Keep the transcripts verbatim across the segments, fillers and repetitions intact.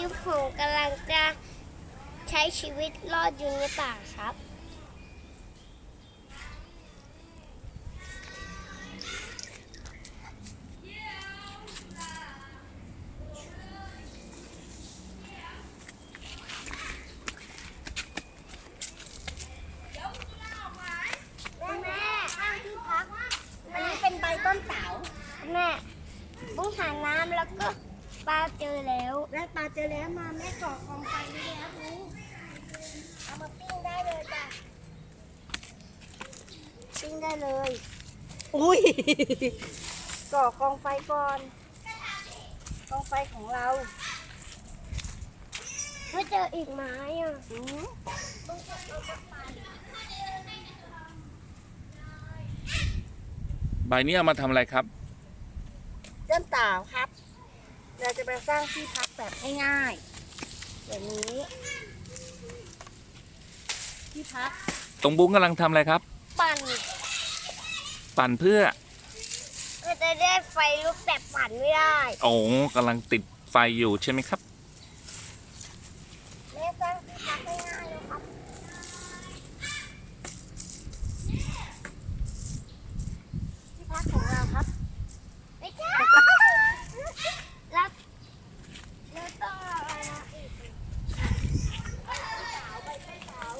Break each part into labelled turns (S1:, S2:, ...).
S1: ที่ผมกำลังจะใช้ชีวิตรอดอยู่ในป่าครับแม่ข้างที่พักอันนี้เป็นใบต้นเต๋าแม่บุ้งหาน้ำแล้วก็ปลาเจอแล้วแม่ปลาเจอแล้วมาแม่ก่อกองไฟได้แล้วบุ้งเอามาปิ้งได้เลยจ้ะปิ้งได้เลยอุ้ยก่อกองไฟก่อนกองไฟของเราไม่เจออีกไม้อ่ะ
S2: ใบนี้เอามาทำอะไรครับ
S1: ต้นเต๋าครับเราจะไปสร้างที่พักแบบง่ายๆแบบนี้ที่พัก
S2: ตรงบุ้งกำลังทำอะไรครับ
S1: ปั่น
S2: ปั่นเพื่อ
S1: ก็จะได้ไฟลุกแต่ปั่นไม่ได้
S2: โอ้กำลังติดไฟอยู่ใช่ไหมครับ
S1: แม่สร้างที่พักง่ายๆเลยครับที่พักของเราครับไม่ใช่แล้วแล้วต้องอะไรนะอีกสาวไปเป็นสาว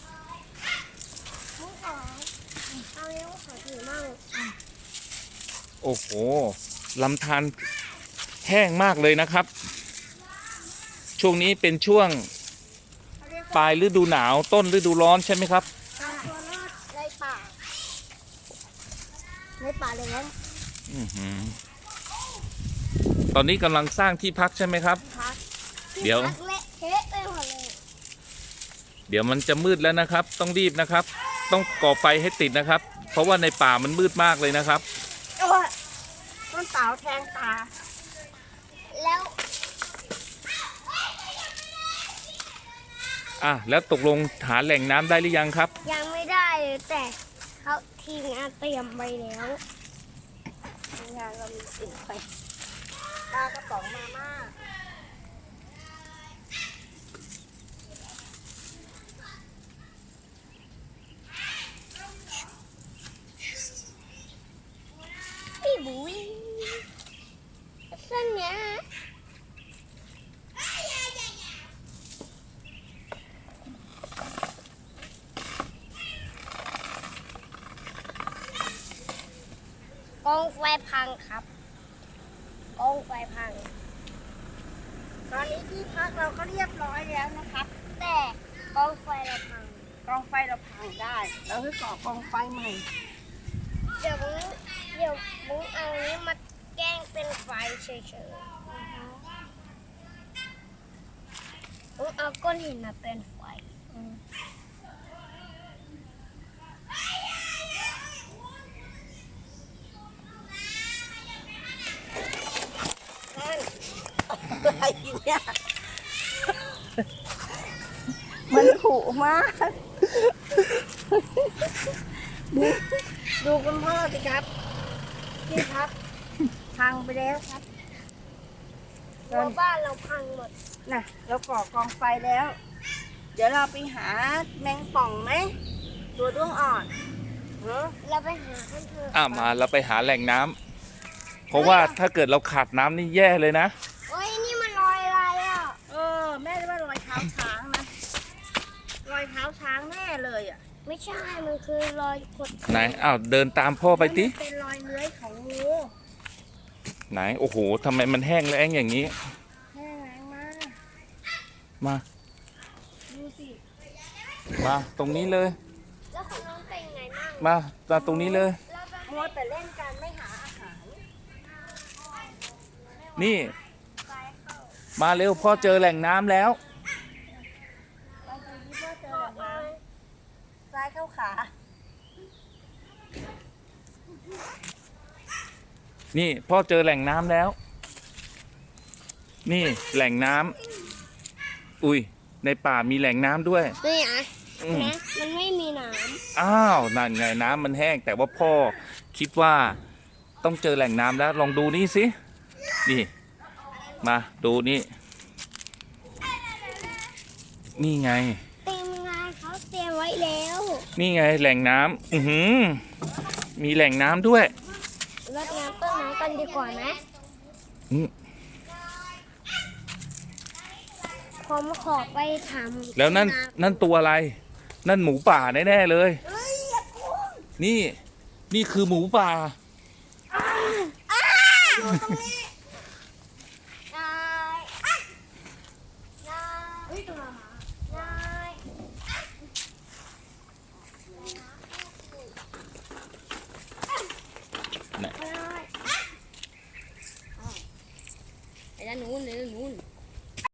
S1: มุ้งขอเอาเนี้ยมุ้งขอถือมั่ง
S2: โอ้โหลำธารแห้งมากเลยนะครับช่วงนี้เป็นช่วงปลายฤดูหนาวต้นฤดูร้อนใช่ไหมครับ
S1: ตัวรอดในป่าในป่าเลยนะ
S2: ตอนนี้กำลังสร้างที่พักใช่ไหมครับเดี๋ยวเดี๋ยวมันจะมืดแล้วนะครับต้องรีบนะครับต้องก่อไฟให้ติดนะครับเพราะว่าในป่ามันมืดมากเลยนะครับ
S1: ต้นเต๋าแทงตาแล้ว
S2: อ่ะแล้วตกลงหาแหล่งน้ำได้หรือยังครับ
S1: ยังไม่ได้เลยแต่เขาทีมงานเตรียมไปแล้วทีมงานเรามีสิ่งไปปลากระป๋องมาม่าพี่บุ้ยเส้นเนี้ยกองไฟพังครับกองไฟพังตอนนี้ที่พักเราก็เรียบร้อยแล้วนะครับแต่กองไฟเราพังกองไฟเราพังได้เราให้ก่อกองไฟใหม่เดี๋ยวบุ้งเดี๋ยวบุ้งเอานี้มาแกล้งเป็นไฟเฉยๆบุ้งเอาก้อนหินมาเป็นไฟอะไรเนี่ยมันผุมากดูดูคุณพ่อสิครับที่พักพังไปแล้วครับรั้วบ้านเราพังหมดน่ะเราก่อกองไฟแล้วเดี๋ยวเราไปหาแมงป่องไหมตัวด้วงอ่อนเออเราไปหาเพื่อนๆ
S2: อ่ะมาเราไปหาแหล่งน้ำเพราะว่าถ้าเกิดเราขาดน้ำนี่แย่เลยนะ
S1: โอ้ยนี่มันรอยอะไรอ่ะเออแม่ว่ารอยเท้าช้างนะรอยเท้าช้างแน่เลยอ่ะไม่ใช่มันคือรอยขด
S2: ไหนอ้าวเดินตามพ่อไปติ
S1: เป็นรอยเลื้อยของงู
S2: ไหนโอ้โหทำไมมันแห้งแล้งอย่างนี้
S1: แห้งแล้งมาก
S2: มา
S1: ดูสิ
S2: มาตรงนี้เลย
S1: แล้วคุณน้องเป็นไงบ้าง
S2: มามาตรงนี้เลย
S1: มัวแต่เล่นกันไม่หาอาหาร
S2: นี่มาเร็วพ่อเจอแหล่งน้ำแล้ว
S1: เราดูที่พ่อเจอแหล่งน้ำซ้ายเข้าขา
S2: นี่พ่อเจอแหล่งน้ำแล้วนี่แหล่งน้ำอุ้ยในป่ามีแหล่งน้ำด้วย
S1: นี่อ่ะนะมันไม่มีน้ำ
S2: อ้าวนั่นไงน้ำมันแห้งแต่ว่าพ่อคิดว่าต้องเจอแหล่งน้ำแล้วลองดูนี่สินี่มาดูนี่นี่ไง
S1: เต็มงานเขาเตรียมไว้แล้ว
S2: นี่ไงแหล่งน้ำอือหือมีแหล่งน้ำด้วย
S1: รดน้ำต้นไม้กันดีกว่าไหม
S2: อืม
S1: ผมขอไปถาม
S2: แล้วนั่นนั่นตัวอะไร นั่นหมูป่าแน่ๆเลย
S1: เฮ้ยอย่าพุ่ง
S2: นี่นี่คือหมูป่า
S1: อยู่ตรงนี้